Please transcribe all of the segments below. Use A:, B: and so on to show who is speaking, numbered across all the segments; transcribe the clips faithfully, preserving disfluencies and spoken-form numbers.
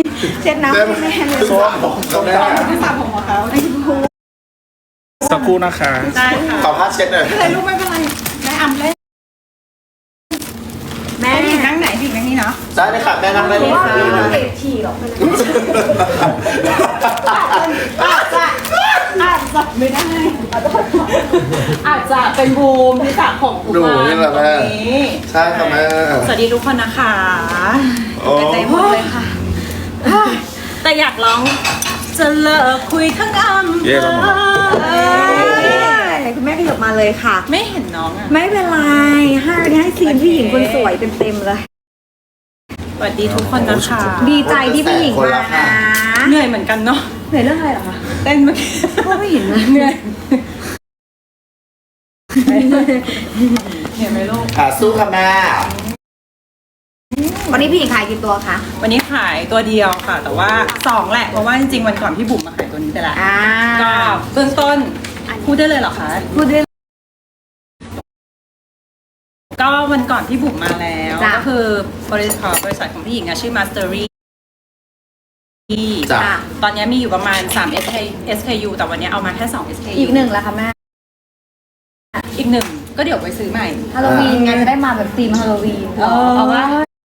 A: เช็ดน้ำให้แม่เลย
B: สระผมเขาได้
A: ไม่สระผมของเขาไอ้ผู้
C: สักครู่นะคะ
A: ได้ค่ะ
B: ขอผ้าเช็ดหน่อย
A: เลยลูกไม่เป็นไรแม่อำเล่นแม่พี่นั่งไหนพี่นั่งนี่เนาะ
B: ได้เลยค่ะแม่นั่งได้เลยค่ะ
A: เตะฉี่หรอกอาจจะอาจจะไม่ได้อาจจะเป็นบูมที่สระผม
B: ดูนี่แหละแม่ใช่ค่ะแม่
A: สวัสดีทุกคนนะคะ
B: โอ้
A: ใจหมดเลยค่ะแต่อยากร้องจะเลิกคุยทั้งอำเภ
C: เย้ครับผม
A: อ
D: คุณแม่ขยับมาเลยค่ะ
A: ไม่เห็นน้องอ่ะ
D: ไม่เป็นไรให้ให้ซีนผู้หญิงคนสวยเต็มๆเลย
A: สวัสดีทุกคนนะคะ
D: ดีใจที่ผู้หญิงมานะ
A: เหนื่อยเหมือนกันเนาะ
D: เหนื่อยเรื่องอะไรเหรอคะ
A: เต้นเมื่อกี้
D: ก็ไม่เห็นนะ
A: เหนื่อยเห็นไหมลูก
B: ค่ะสู้ค่ะแม่
D: วันนี้พี่หญิงขายกี่ตัวคะ
A: วันนี้ขายตัวเดียวค่ะ แต่ว่าสองแหละเพราะว่าจริงๆวันก่อนพี่บุ๋มมาขายตัวนี้ไปแล้ว
D: อ่า
A: ก็เบื้องต้นพูดได้เลยเหรอคะ
D: พูดได้
A: ก็วันก่อนพี่บุ๋มมาแล้ว
D: จ้ะ
A: ก็คือบริษัทบริษัทของพี่หญิงอะชื่อ Mastery
B: จ้ะ
D: ค่ะ
A: ตอนนี้มีอยู่ประมาณสาม เอส เค ยู แต่วันนี้เอามาแค่สอง เอส เค ยู
D: อีกหนึ่งแล้วค่ะแม่
A: อีกหนึ่งก็เดี๋ยวไปซื้อใหม่
D: ฮาโลวีนไงจะได้มาแบบธีมฮาโลวีน
A: เออ
D: เอาว่า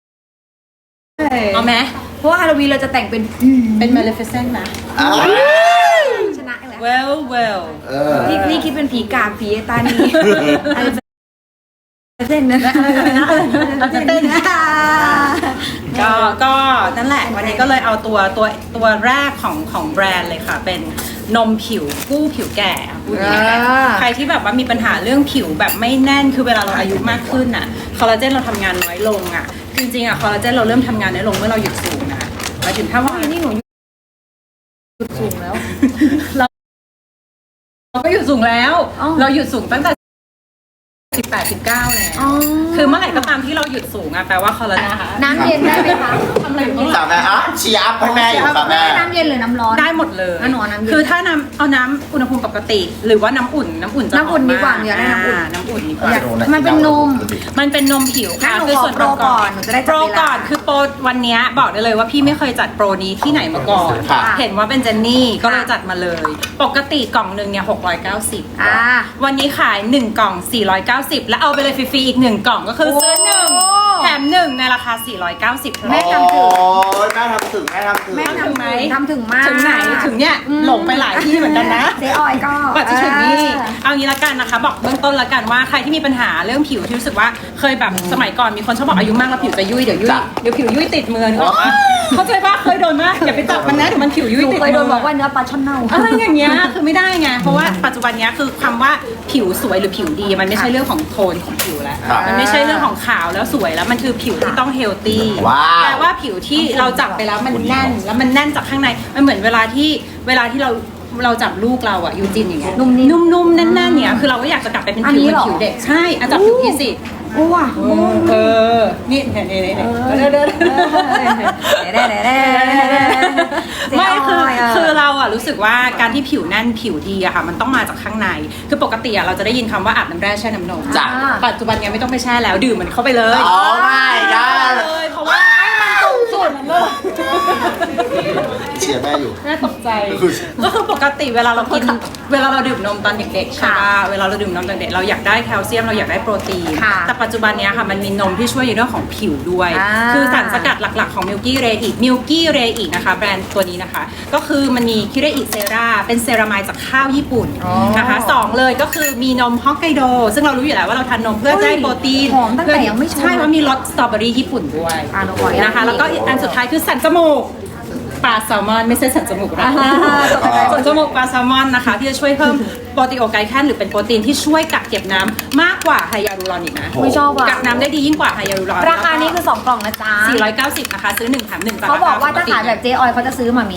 A: เอาไหม
D: เพราะว่าฮาโลวีนเราจะแต่งเป็น
A: เป็น Maleficent นะ
B: อ้าว
D: ชนะอีกแล้ว
A: well well
B: เออ
D: นี่นี่คิดเป็นผีกาผีไอ้ตานี่อะไรจะเต้นนะ
A: เราจะเต้น ก็ก็นั่นแหละ วันนี้ก็เลยเอาตัวตัวตัวแรกของของแบรนด์เลยค่ะ เป็นนมผิวกู้ผิวแก่พูดอย่างนี้นะ
D: อ่า
A: ใครที่แบบว่ามีปัญหาเรื่องผิวแบบไม่แน่นคือเวลาเราอายุมากขึ้นน่ะคอลลาเจนเราทำงานน้อยลงอ่ะจริงๆอ่ะคอลลาเจนเราเริ่มทำงานน้อยลงเมื่อเราหยุดสูงนะหมายถึงถ้าว่า
D: นี่หนูหยุดสูงแล้ว
A: เราเราก็หยุดสูงแล้ว
D: อ๋อ
A: เราหยุดสูงตั้งแต่สิบแปด สิบเก้าแล้ว
D: อ๋อ
A: คือเมื่อไหร่ก็ตามที่เราหยุดสูงอ่ะแปลว่าคอลลาเจน
D: น้ำเย็นได้ไหมคะ
A: ทำอะไรอยู่ข้างหลั
B: จ้าง แม่อ่ะเชียร์อัพให้แม่อยู่ค่ะแม่
D: น้ำเย็นหรือน้ำร้อน
A: ได้หมดเลย
D: อ่ะหนูเอาน้ำเย็น
A: คือถ้าน้ำเอาน้ำอุณหภูมิปกติ หรือว่าน้ำอุ่นน้ำอุ่นจะ
D: น้ำอุ่น
A: หม
D: ดีกว่า
A: ม
D: อยากได้น้ำอุ่น
A: าน้ำอุ่นดีกว่า
D: อยากมันเป็นนม
A: มันเป็นนมผิวค่ะ
D: งั้นหนู
A: คือ
D: ขอ
A: ส่วน
D: โปรก่อนหนูจะได้จั
A: โป
D: บ
A: ร
D: เวลา
A: ก่อนคือโปรวันเนี้ยบอกได้เลยว่าพี่ไม่เคยจัดโปรนี้ที่ไหนมาก่อน
B: ค่ะ
A: เห็นว่าเป็นเจนนี่ก็เลยจัดมาเลย ปกติกล่องหนึ่งเนี่ยหกร้อยเก้าสิบ
D: อ่า
A: วันนี้ขายหนึ่งกล่องสี่ร้อยเก้าสิบแล้วเอาไปเลยฟรีๆอีกหนึ่งกล่องก็คือซื้อหนึ่ง
D: โอ้
A: แถมหนึ่งในราคาสี่ร้อยเก้าสิบเท่า
D: แม่
A: นั้น
D: ทำถึง
B: โอ้ยแม่ทำถึงแม่ทำถึง
D: แม่
A: ถึงไหม
D: ทำถึงมาก
A: ถึงไหนถึงเนี่ยหลงไปหลายที่เหมือนกันนะ
D: เจ๊ออยก็
A: กว่าจะถึงนี่
D: เออ
A: เอางี้ละกันนะคะ บอกเบื้องต้นละกันว่าใครที่มีปัญหาเรื่องผิวที่รู้สึกว่าเคยแบบสมัยก่อนมีคนชอบบอกอายุมากแล้วผิวจะยุ่ยเดี๋ยวยุ่ย
B: จ้ะ
A: เดี๋ยวผิวยุ่ยติดมือนึกออกปะเข้าใจปะเคยโดนมากอย่าไปจับมันนะเดี๋ยวมันผิวยุ่ย
D: หนู
A: ติด
D: เคยโดน
A: มื
D: บอกว่าเนื้อปลาช่อนเน่า
A: อะไรอย่างเงี้ยคือไม่ได้ไงเพราะว่าปัจจุบันเนี้ยคือคำว่าผิวสวยหรือผิวดีมันไม่ใช่เรื่องของโทนของผิวแล้ว
B: ครับ
A: มันไม่ใช่เรื่องของขาวแล้วสวยแล้วมันคือผิวที่ต้องเฮลตี้
B: ว้าว
A: แปลว่าผิวที่เราจับไปแล้วมันแน่นแล้วมันแน่นจากข้างในมันเหมือนเวลาที่เวลาที่เราเราจับลูกเราอะยูจินอย่างเงี้ย
D: นุ่มนิ่ม
A: นุ่มๆแน่นๆเนี่ยคือเราก็อยากจะกลับไปเป็น
D: อัน
A: ผิว
D: นี้
A: เหมือ
D: เหรอ
A: นผิวเด็กใช่อะจับผิวพี่สิ
D: โอ้ว่ะ
A: เออนี่เนี่ยเนี่ยเนี่ยเด้อเด้อ
D: เด้เด้เด้
A: ไม่คือคือเราอะรู้สึกว่าการที่ผิวแน่นผิวดีอะค่ะมันต้องมาจากข้างในคือปกติอะเราจะได้ยินคำว่าอาบน้ำแร่แช่น้ำนม
B: จ้ะ
A: ปัจจุบันเนี้ยไม่ต้องไปแช่แล้วดื่มมันเข้าไปเลย
B: อ๋อไม่ได้
A: เลยเพราะว่าให้มันตรงจุดเลย
B: เชียร์แม่อยู่
A: น่าตกใจ ก็คือปกติเวลาเรากินเวลาเราดื่มนมตอนเด็กๆใช่ป่ะเวลาเราดื่มนมตอนเด็กเราอยากได้แคลเซียมเราอยากได้โปรตีน
D: ค่ะ
A: แต่ปัจจุบันเนี้ยค่ะมันมีนมที่ช่วยในเรื่องของผิวด้วย
D: อ่า
A: คือสารสกัดหลักๆของมิลกี้เรอีกมิลกี้เรอีกนะคะแบรนด์ตัวนี้นะคะ ก็คือมันมีคิเรอิเซราเป็นเซรามายจากข้าวญี่ปุ่น
D: อ๋อ
A: นะคะสองเลยก็คือมีนมฮอกไกโดซึ่งเรารู้อยู่แล้วว่าเราทานนมเพื่อได้โปรตีน
D: หอมตั้งแต่ยังไม่ชง
A: ใช่เพราะมีรสสตรอเบอรี่ญี่ปุ่นด้วย
D: อ่ะหนูขออนุญาต
A: นะคะแล้วก็อันสุดท้ายคือสันจมูกปลาแซลมอนไม่ใช่สันจมูกนะ
D: อ่าตกใจ
A: สันจมูกปลาแซลมอนนะคะที่จะช่วยเพิ่มโปรตีโอไกแคนหรือเป็นโปรตีนที่ช่วยกักเก็บน้ำมากกว่าไฮยาลูรอนอีกนะ
D: ไม่ชอบอ่ะ
A: กักน้ำได้ดียิ่งกว่าไฮยาลูรอน
D: ราคานี้คือสองกล่องนะจ๊ะ
A: สี่ร้อยเก้าสิบนะคะซื้อหนึ่งแถมหนึ่งจาก
D: เขาบอกว่า
A: รค
D: ถ้าขายแบบเจ๊ออยเขาจะซื้อมามี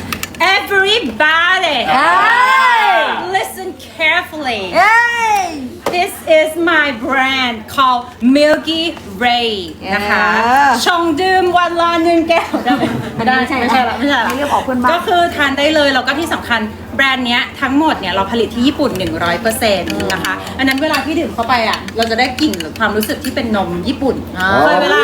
A: everybody
D: เอ้ย
A: listen carefully
D: เอ้ย
A: This is my brand called Milky Ray นะคะ
D: เออ
A: ชงดื่มวันละหนึ่งแก้วได้ไหมไม่ได้
D: ไม่ใช่
A: ไม่ใช่ละไม่ใช่ละ
D: ไม่เรียกออกเพื่อนบ้าน
A: ก็คือทานได้เลยแล้วก็ที่สำคัญแบรนด์เนี้ยทั้งหมดเนี่ยเราผลิตที่ญี่ปุ่น หนึ่งร้อยเปอร์เซ็นต์ นะคะอันนั้นเวลาที่ดื่มเข้าไปอ่ะเราจะได้กลิ่นหรือความรู้สึกที่เป็นนมญี่ปุ่น
D: อ่า
A: เคยเวลาเค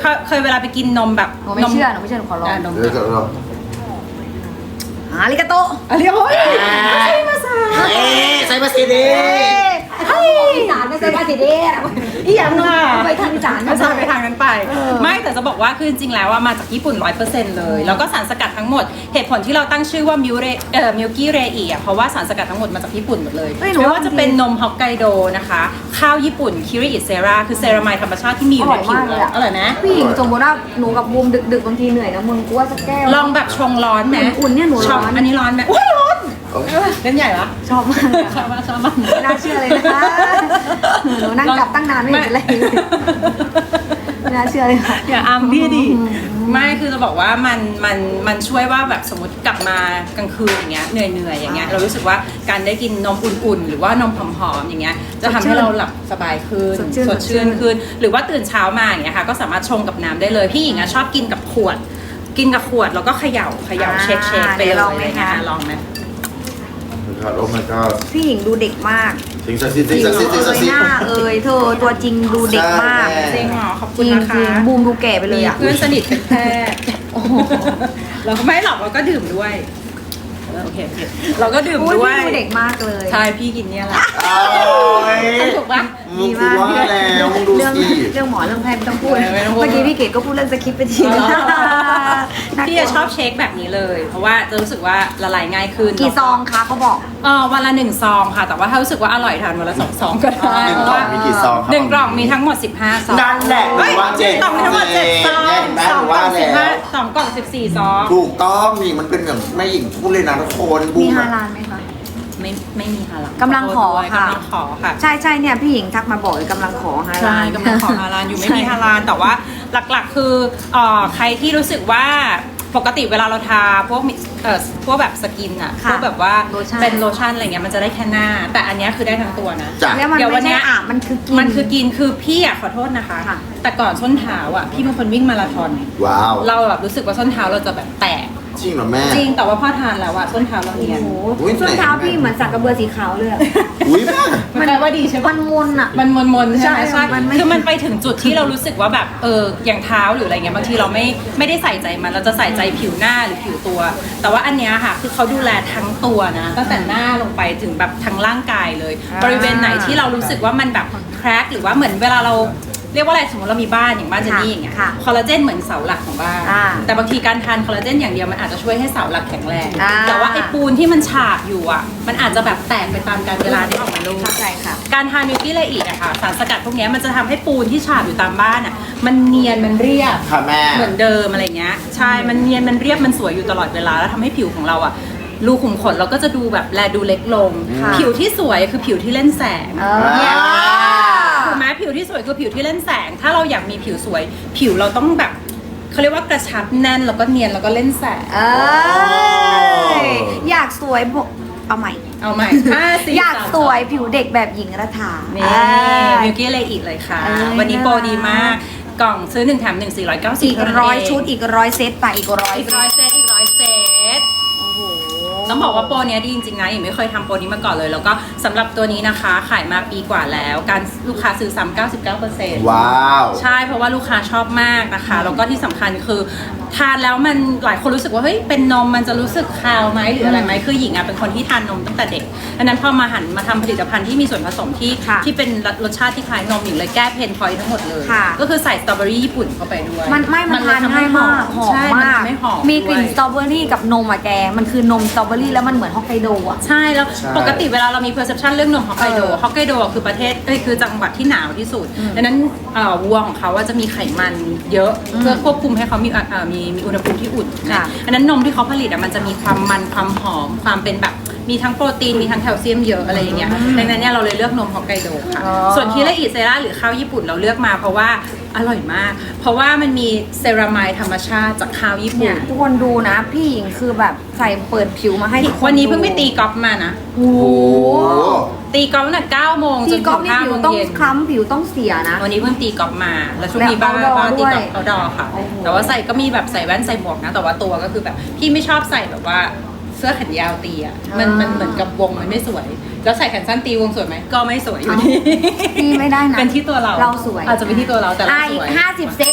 A: เคยเคยเวลาไปกินนมแบบ
D: หนูไม่เชื่อหนูไม่เชื่อหนูขอลอง
A: นม
B: เดี๋ยวจะลอง
D: อาริกาโต
A: อะไรโอ้ยใช่มาซา
B: เอ๊ะใส่มาสิดี
D: เฮ้ยอีสานไม่ใช่ภาษีเด้
A: อีหยังล่ะ
D: ไปทางอีสาน
A: ไม่ใช่ไปทางนั้นไป
D: เออ
A: ไม่แต่จะบอกว่าคือจริงๆแล้วว่ามาจากญี่ปุ่น ร้อยเปอร์เซ็นต์ เลย แล้วก็สารสกัดทั้งหมดเหตุผลที่เราตั้งชื่อว่ามิวเรเอ่อมิลกี้เรอีอ่ะเพราะว่าสารสกัดทั้งหมดมาจากญี่ปุ่นหมดเลยไม่ว่าจะเป็นนมฮอกไกโดนะคะข้าวญี่ปุ่นคิริอิเซราคือเซรามายธรรมชาติที่มีอยู่ในผิวเราอร่อยไหม
D: พี่หญิงสมมติว่าหนูกับบูมดึกๆบางทีเหนื่อยนะมึงกูว่าสักแก้ว
A: ลองแบบชงร้อนไหม
D: อุ่นๆเนี่ยหนูร้อน
A: ชบอันนี้ร้อนไหมอุ้ยร้อนเล่นใหญ่ปะ
D: ชอบมากเลย
A: ชอบมากชอบมาก
D: ไม่น่าเชื่อเลยนะคะหนูนั่งจับตั้งนานไม่เห็นเป็นไรเลยไม่น่าเชื่อเลยค่ะ
A: อย่าอัมพี่ดิไม่คือจะบอกว่ามันมันมันช่วยว่าแบบสมมติกลับมากลางคืนอย่างเงี้ยเหนื่อยเหนื่อยอย่างเงี้ยเรารู้สึกว่าการได้กินนมอุ่นๆ หรือว่านมหอมๆอย่างเงี้ยจะทำให้เราหลับสบายขึ้น
D: สดชื่น
A: สดชื่นขึ้นหรือว่าตื่นเช้ามาอย่างเงี้ยค่ะก็สามารถชงกับน้ำได้เลยพี่หญิงอะชอบกินกับขวด กินกับขวดแล้วก็เขย่าเขย่าเช็คเช็คไปเลย
D: ลองไหมคะ
A: ลองไหม
B: โอ้ my god
D: พี่หญิงดูเด็กมาก
B: สิงศักดิ์สิทธิ์สิงศักดิ์สิทธิ์สิงศักดิ์สิท
D: ห
B: ธิ์
D: น้าเอ่ยเธอตัวจริงดูเด็กมาก
B: ใช่
A: จริงเหรอขอบ
D: จ
A: คุณ
D: ริง
A: นะ
D: จริง
A: คะ
D: บูมดูแก่ไปเลย
A: มี
D: อ่ะ
A: เพื่อนสนิทเป็นแพทย์เราก็ไม่หรอกเราก็ดื่มด้วยเออโอเคโอเคเราก็ดื่ม
D: อุ้ย
A: ด้วย
D: พี่ดูเด็กมากเลย
A: ใช่พี่กินเนี่ยแหละ
B: โอ้ย
A: ถูกปะ
B: มึงกูว่าแล้วมึงดู
D: เรื่อง
B: สิ
D: เรื่องหมอเรื่องแพทย์ไม่ต้องพูด
A: ไม่ต้องพูด
D: เมื่อกี้พี่เกดก็พูดเรื่องสคริปต์ไปที
A: อ๋อ
D: นึงน่าก
A: พี่
D: ลัว
A: จะชอบเช็คแบบนี้เลย เพราะว่าจะรู้สึกว่าละลายง่ายขึ้น
D: กี่ซองคะเขาบอก
A: เออวันละหนึ่งซองค่ะ แต่ว่าถ้ารู้สึกว่าอร่อยทานวันละสองซองก็ได้
B: หนึ่ง
A: เพ
B: ก
A: ราะ
B: ล่อง
A: ว่า
B: มีกี่ซองครับ
A: หนึ่งกล่องมีทั้งหมดสิบห้าซอง
B: นั่นแหละ
A: เฮ้ย
B: ว่าเจ็ด
A: กล่องมีทั้งหมดเจ็ดซอง
B: เจ็ดแม่
A: สองกล่อง
B: ว่า
A: สิบห้า
B: แล้ว
A: สองกล่องสิบสี่ซอง
B: ถูกต้องนี่มันเป็นแบบแม่หญิงพูดเลยนะทุกคนบู
D: มี
B: ม
D: ฮา
B: อะ
D: ลาลไหมคะ
A: ไม่ไม่มีค่ะ
D: กำลังขอค่ะ
A: กำลังขอค่ะ
D: ใช่ใช่เนี่ยพี่หญิงทักมาบอกเลยกำลังขอฮาลา
A: ใช่
D: ล
A: กำลังขอฮาลาลอยู่ไม่มี
D: ใช่
A: ฮาลาลแต่ว่าหลักๆคือเอ่อใครที่รู้สึกว่าปกติเวลาเราทาพวกมิเอ่อพวกแบบสกินอะพ
D: ค่ะ
A: วกแบบว่า
D: โลชั่น
A: เป็นโลชั่นอะไรเงี้ยมันจะได้แค่หน้า แต่อันเนี้ยคือได้ทั้งตัวนะ
B: จ้ะ
D: แล้วมัน
A: เดี๋ยววั
D: ไม่
A: นเนี้
D: ใช่
A: ย
D: อาบมันคือกิน
A: มันคือกินคือพี่อะขอโทษนะคะ
D: ค่ะ
A: แต่ก่อนส้นเท้าอะพี่เป็นคนวิ่งมาราธอน
B: ว้าว
A: เราแบบรู้สึกว่าส้นเท้าเราจะแบบแตก
B: จริงเหรอแม่
A: จริงแต่ว่าพอทานแล้วอะส้นเท้าเรา
D: โอ้
A: เนียน
D: โห
B: อุ๊ย
D: ส้นเท้าพี่เหมือนสักกระเบือสีขาวเลยอะ
B: อุ้ยแม่
A: มันแปลว่าดีใช่ปะ
D: มันมนอะ
A: มันมนมนๆใช่ไหม
D: ใช่
A: ใช่
D: มันไม่
A: คือมันไปถึงจุดที่เรารู้สึกว่าแบบเอออย่างเท้าหรืออะไรเงี้ยบางทีเราไม่ไม่ได้ใส่ใจมันเราจะใส่ใจผิวหน้าหรือผิวตัว แต่ว่าอันเนี้ยค่ะคือเขาดูแลทั้งตัวนะตั้งแต่หน้าลงไปถึงแบบทั้งร่างกายเลย บริเวณไหนที่เรารู้สึกว่ามันแบบแครกหรือว่าเหมือนเวลาเราเรียกว่าอะไรสมมติเรามีบ้านอย่างบ้านเจนนี่อย่างเงี้ย
D: ค่ะ
A: คอลลาเจนเหมือนเสาหลักของบ้าน
D: อ่า
A: แต่บางทีการทานคอลลาเจนอย่างเดียวมันอาจจะช่วยให้เสาหลักแข็งแรง
D: อ่า
A: แต่ว่าไอ้ปูนที่มันฉาบอยู่อ่ะมันอาจจะแบบแตกไปตามกาลเวลาที่ออกมาลูก
D: เข้าใจค่ะ
A: การทานมิลกี้ไลอีกอะค่ะสารสกัดพวกเนี้ยมันจะทำให้ปูนที่ฉาบอยู่ตามบ้านอะมันเนียนมันเรียบ
B: ค่ะแม่
A: เหมือนเดิมอะไรเงี้ยใช่มันเนียนมันเรียบมันสวยอยู่ตลอดเวลาแล้วทำให้ผิวของเราอะรูขุมขนเราก็จะดูแบบแลดูเล็กลง
D: ค่ะ
A: ผิวที่สวยคือผิวที่เล่นแสง
D: เออ
A: เนี่ยถูกไหมผิวที่สวยคือผิวที่เล่นแสง ถ้าเราอยากมีผิวสวย ผิวเราต้องแบบเขาเรียกว่ากระชับแน่นแล้วก็เนียนแล้วก็เล่นแสง
D: เอ้ยอยากสวยบอกเอาใหม่
A: เอาใหม่ห้าสี่
D: อยาก
A: สม
D: สวยผิวเด็กแบบหญิงรัฐา
A: นี่
D: อ่า
A: มิลกี้ไลอีกเลยค่ะ
D: เอ้ย
A: วันนี้โปรดีมากกล่องซื้อหนึ่งแถมหนึ่งสี่ร้อยเก้าสิบ
D: อีกร้อยชุดอีกร้อยเซตไปอีกร้อย
A: อีกร้อยเซตอีกร้อยเซต
D: โอ้โห
A: ต้องบอกว่าโปรเนี้ยดีจริงๆนะยังไม่เคยทำโปรนี้มาก่อนเลย แล้วก็สำหรับตัวนี้นะคะขายมาปีกว่าแล้ว การลูกค้าซื้อซ้ำเก้าสิบเก้าเปอร์เซ็นต์
B: ว้าว
A: ใช่เพราะว่าลูกค้าชอบมากนะคะ แล้วก็ที่สำคัญคือทานแล้วมันหลายคนรู้สึกว่าเฮ้ยเป็นนมมันจะรู้สึกคาวไหมหรืออะไรไหมคือหญิงอ่ะเป็นคนที่ทานนมตั้งแต่เด็กดังนั้นพอมาหันมาทำผลิตภัณฑ์ที่มีส่วนผสมที่
D: ค่ะ
A: ที่เป็นรสชาติที่คล้ายนมหญิงเลยแก้เพนพอยต์ทั้งหมดเลย
D: ค่ะ
A: ก็คือใส่สตรอเบอรี่ญี่ปุ่นเข้าไปด้วย
D: มันไม่มัน
A: เล
D: ทาน
A: ทำให้
D: ง่ายมากหอม
A: ใช่น
D: มาก
A: ทำให้หอม
D: มีกลิ่น
A: ด้วย
D: สตรอเบอรี่กับนมอะแก มันคือนมสตรอเบอรี่แล้วมันเหมือนฮอกไกโดอะ
A: ใช่แล้ว
B: ใช่
A: ปกติเวลาเรามี perception เรื่องนมฮอกไกโด
D: เออ
A: ฮอกไกโดคือประเทศเอ้ยคือจังหวัดที่หนาวที่สุด
D: อืม
A: ดังนั้นเอ่อวัวของเขาว่าจะมีไขมันเยอะ
D: อืม
A: เพื่อควบคุมให้เขามีเอ่อมีมีอุณหภูมิที่อุ่น
D: ค่ะ
A: นะอันนั้นนมที่เขาผลิตอะมันจะมีความมันความหอมความเป็นแบบมีทั้งโปรตีนมีทั้งแคลเซียมเยอะอะไรอย่างเงี้ยดังนั้นเนี่ยเราเลยเลือกนมฮอกไกโดค่ะ
D: อ๋อ
A: ส่วนคิระอิเซราหรือข้าวญี่ปุ่นเราเลือกมาเพราะว่าอร่อยมาก เพราะว่ามันมีเซรามายธรรมชาติจากข้าวญี่
D: เนี่
A: ปุ่
D: ย
A: น
D: ทุกคนดูนะ พี่หญิงคือแบบใส่เปิดผิวมาให้ทุกค
A: วันนี้เพิ่งไป
D: ดู
A: ตีกอล์ฟมานะ
D: โอ้โห
A: ตีกอล์ฟตั้งแต่เก้าโมงจ
D: ที่
A: น
D: ก๊
A: ถึ
D: อฟ
A: ง
D: นี่
A: ห้า
D: ผิ
A: โม
D: ว
A: ง
D: ต้อง
A: เย็น
D: คล้ำผิวต้องเสียนะ
A: วันนี้เพิ่งตีกอล์ฟมา แล้วช่วง
D: แล้ว
A: นี้บ้าน
D: outdoor
A: บ้านตีกอล์ฟ
D: ด้วย
A: เอาดอค่ะ
D: โอ้โห
A: แต่ว่าใส่ก็มีแบบใส่แว่นใส่หมวกนะ แต่ว่าตัวก็คือแบบพี่ไม่ชอบใส่แบบว่าเสื้อแขนยาวตีอ่ะ มันมันเหมือนกับวงมันไม่สวย แล้วใส่แขนสั้นตีวงสวยไหมก็ไม่สวยอยู่ดี
D: พี่ไม่ได้นะ
A: เป็นที่ตัวเรา
D: เราสวย
A: อาจจะเป็นที่ตัวเราแต่เรา
D: อ่ะ
A: ส
D: อี
A: ว
D: ก
A: ย
D: ห้าสิบเซตไปไป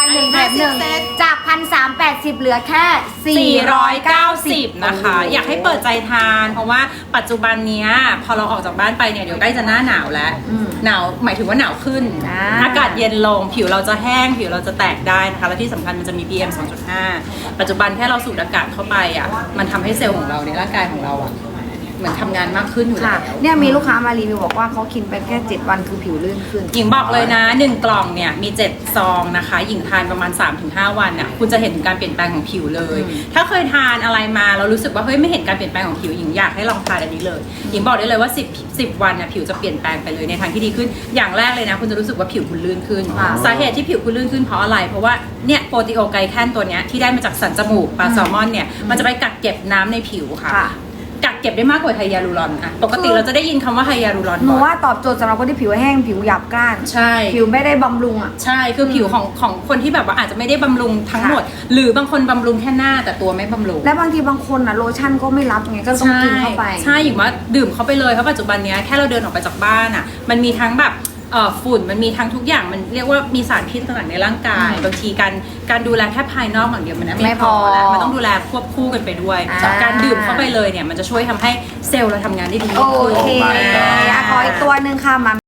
D: ายหนึ่งแถมหนึ่ง
A: เซต
D: จากพันสามแปดสิบเหลือแค่สี่
A: สี่
D: ร้
A: ร้
D: อ
A: อย ย
D: เก้า
A: เก้า
D: สิ
A: สิ
D: บบ
A: นะคะ อยากให้เปิดใจทาน เพราะว่าปัจจุบันเนี้ยพอเราออกจากบ้านไปเนี่ยเดี๋ยวใกล้จะหน้าหนาวแล้ว หนาวหมายถึงว่าหนาวขึ้น
D: อ่า
A: อากาศเย็นลงผิวเราจะแห้งผิวเราจะแตกได้นะคะและที่สำคัญมันจะมี พี เอ็ม สองจุดห้า ปัจจุบันแค่เราสูดอากาศเข้าไปอ่ะมันทำให้เซลล์ของเราในร่างกายของเราอ่ะเหมือนทำงานมากขึ้นอยู่แล้
D: ค่ะ
A: ว
D: เนี่ยมีลูกค้ามารีวิวบอกว่าเขากินไปแค่เจ็ดวันคือผิวลื่นขึ้น
A: หญิงบอกเลยนะหนึ่งกล่องเนี่ยมีเจ็ดซองนะคะหญิงทานประมาณ สามถึงห้า วันน่ะคุณจะเห็นถึงการเปลี่ยนแปลงของผิวเลย ถ้าเคยทานอะไรมาเรารู้สึกว่าเฮ้ยไม่เห็นการเปลี่ยนแปลงของผิวหญิงอยากให้ลองทานอันนี้เลยหญิงบอกได้เลยว่าสิบ สิบวันน่ะผิวจะเปลี่ยนแปลงไปเลยในทางที่ดีขึ้นอย่างแรกเลยนะคุณจะรู้สึกว่าผิวคุณลื่นขึ้น
D: ค่ะ
A: สาเหตุที่ผิวคุณลื่นขึ้นเพราะอะไรเพราะว่าเนี่ยโปรตีโอไกลแคนตัวเนี้ยที่ได้มาจากสันจมูกปลาแซลมอนเนี่ยมันจะไปกักเก็บน้ำในผิวค่ะ
D: ค่ะ
A: กักเก็บได้มากกว่าไฮยาลูรอนอะปกติเราจะได้ยินคำว่าไฮยาลูรอน
D: หนู
A: บ่อย
D: ว่าตอบโจทย์สำหรับคนที่ผิวแห้งผิวหยาบกร้าน
A: ใช่
D: ผิวไม่ได้บำรุงอ่ะ
A: ใช่ คือผิวของของคนที่แบบว่าอาจจะไม่ได้บำรุงทั้งหมด หรือบางคนบำรุงแค่หน้าแต่ตัวไม่บำรุง
D: และบางทีบางคนอ่ะโลชั่นก็ไม่รับไงก็ต้องกินเข้าไป
A: ใช่หญิงว่าดื่มเข้าไปเลยเพราะปัจจุบันเนี้ยแค่เราเดินออกไปจากบ้านอ่ะมันมีทั้งแบบเอ่อฝุ่นมันมีทั้งทุกอย่างมันเรียกว่ามีสารพิษต่างๆในร่างกาย
D: อืม
A: บางทีการการดูแลแค่ภายนอกอย่างเดียวมัน
D: ไม่
A: ไม่
D: พ
A: พ
D: อ
A: อแล้วมันต้องดูแลควบคู่กันไปด้วย
D: อ่า
A: การดื่มเข้าไปเลยเนี่ยมันจะช่วยทำให้เซลล์เราทำงานได้ดี
D: โอ
A: ยิ่งขึ้น
D: เค
B: Oh my god
D: อ่ะขออีกตัวหนึ่งค่ะมา